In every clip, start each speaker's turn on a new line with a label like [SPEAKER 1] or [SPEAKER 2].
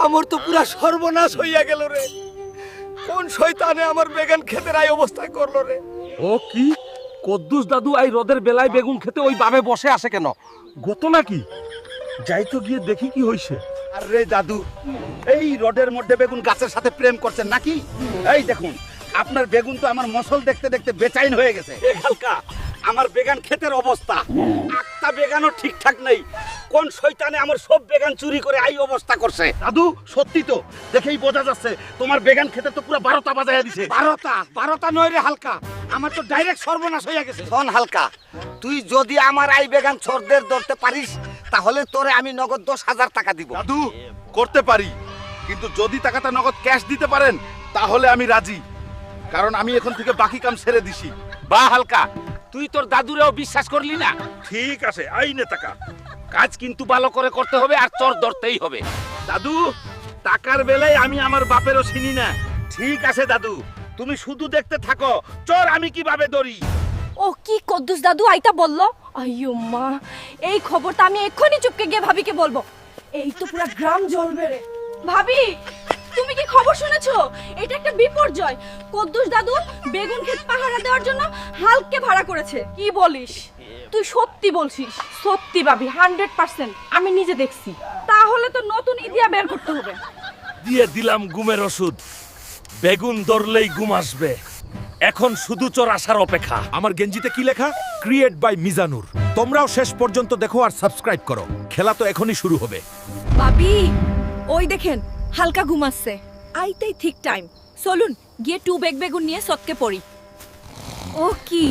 [SPEAKER 1] আমার তো পুরা সর্বনাশ হইয়া গেল রে। কোন শয়তানে আমার বেগুন ক্ষেতের এই অবস্থায় করলো রে?
[SPEAKER 2] ও কি কদ্দুস দাদু এই রোদের বেলায় বেগুন খেতে ওই বাবে বসে আসে কেন? গত নাকি? যাই তো গিয়ে দেখি কি হইছে।
[SPEAKER 1] আরে দাদু, এই রোডের মধ্যে বেগুন গাছের সাথে প্রেম করছেন নাকি? এই দেখুন, আপনার বেগুন তো আমার মসল দেখতে দেখতে বেচাইন হয়ে গেছে। এ হালকা, আমার বেগান ক্ষেতের অবস্থা, একটা বেগানও ঠিকঠাক নেই। কোন শয়তানে আমার সব বেগান চুরি করে এই অবস্থা করছে? দাদু, সত্যি তো, দেখেই বোঝা যাচ্ছে তোমার বেগান খেতে তো পুরো 12টা বাজাইয়া দিছে। 12টা নয় রে হালকা, আমার তো ডাইরেক্ট সর্বনাশ হইয়া গেছে। শোন হালকা, তুই যদি আমার এই বেগান ছরদের ধরতে পারিস, তাহলে তোরে আমি নগদ 10,000 টাকা দিব।
[SPEAKER 3] দাদু করতে পারি, কিন্তু যদি টাকাটা নগদ ক্যাশ দিতে পারেন তাহলে আমি রাজি, কারণ আমি এখন থেকে বাকি কাম ছেড়ে দিছি।
[SPEAKER 2] বা হালকা, তুই তোর দাদুরেও বিশ্বাস করলি না?
[SPEAKER 3] ঠিক আছে, আইনে টাকা।
[SPEAKER 2] কাজ কিন্তু ভালো করে করতে হবে আর চোর ধরতেই হবে।
[SPEAKER 3] দাদু, টাকার বেলায় আমি আমার বাপেরও চিনি না।
[SPEAKER 1] ঠিক আছে দাদু, তুমি শুধু দেখতে থাকো, চোর আমি কিভাবে ধরি।
[SPEAKER 4] ও কি কদ্দুস দাদু আইতা বললো? আইয়ো মা, এই খবরটা আমি এক্ষুনি চুপকে গিয়ে ভাবিকে বলবো। এই তো পুরো গ্রাম জ্বলবে রে। ভাবি, তুমি কি খবর শুনেছো? এটা একটা বিপর্যয়। কদ্দুস দাদু বেগুন ক্ষেত পাহারা দেওয়ার জন্য হালকে ভাড়া করেছে। কি বলিস? তুই সত্যি বলছিস? সত্যি ভাবি, 100%। আমি নিজে দেখছি। তাহলে তো নতুন ইদিয়া বের করতে হবে।
[SPEAKER 2] দিয়ে দিলাম ঘুমের ওষুধ, বেগুন ধরলেই ঘুম আসবে। এখন শুধু চোর আসার অপেক্ষা।
[SPEAKER 5] আমার গেঞ্জিতে কি লেখা? Create by Mizanur. তোমরাও শেষ পর্যন্ত দেখো আর সাবস্ক্রাইব করো। খেলা তো এখনই শুরু হবে।
[SPEAKER 4] ভাবি, ওই দেখেন হালকা ঘুমাচ্ছে। আইতেই ঠিক টাইম। চলুন গিয়ে 2 বেগ বেগুন নিয়ে সৎকে পড়ি। ও কি?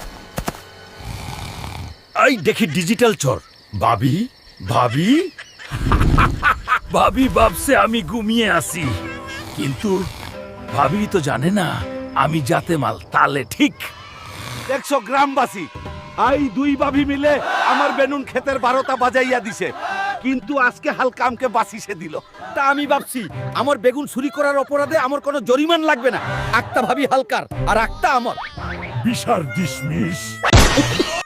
[SPEAKER 5] এই দেখি ডিজিটাল চোর। ভাবি, ভাবি,
[SPEAKER 2] ভাবি ভাবছে আমি ঘুমিয়ে আছি, কিন্তু ভাবি তো জানে না আমি জাতে মাল তালে ঠিক।
[SPEAKER 1] দেখছো গ্রামবাসী, এই দুই ভাবি মিলে আমার বেগুন ক্ষেতের 12টা বাজাইয়া দিছে, কিন্তু আজকে হালকা আমকে বাঁচিয়ে দিল।
[SPEAKER 5] তা আমি ভাবছি আমার বেগুন চুরি করার অপরাধে আমার কোনো জরিমান লাগবে না। একটা ভাবি হালকার আর একটা আমার।
[SPEAKER 2] বিশার ডিসমিস।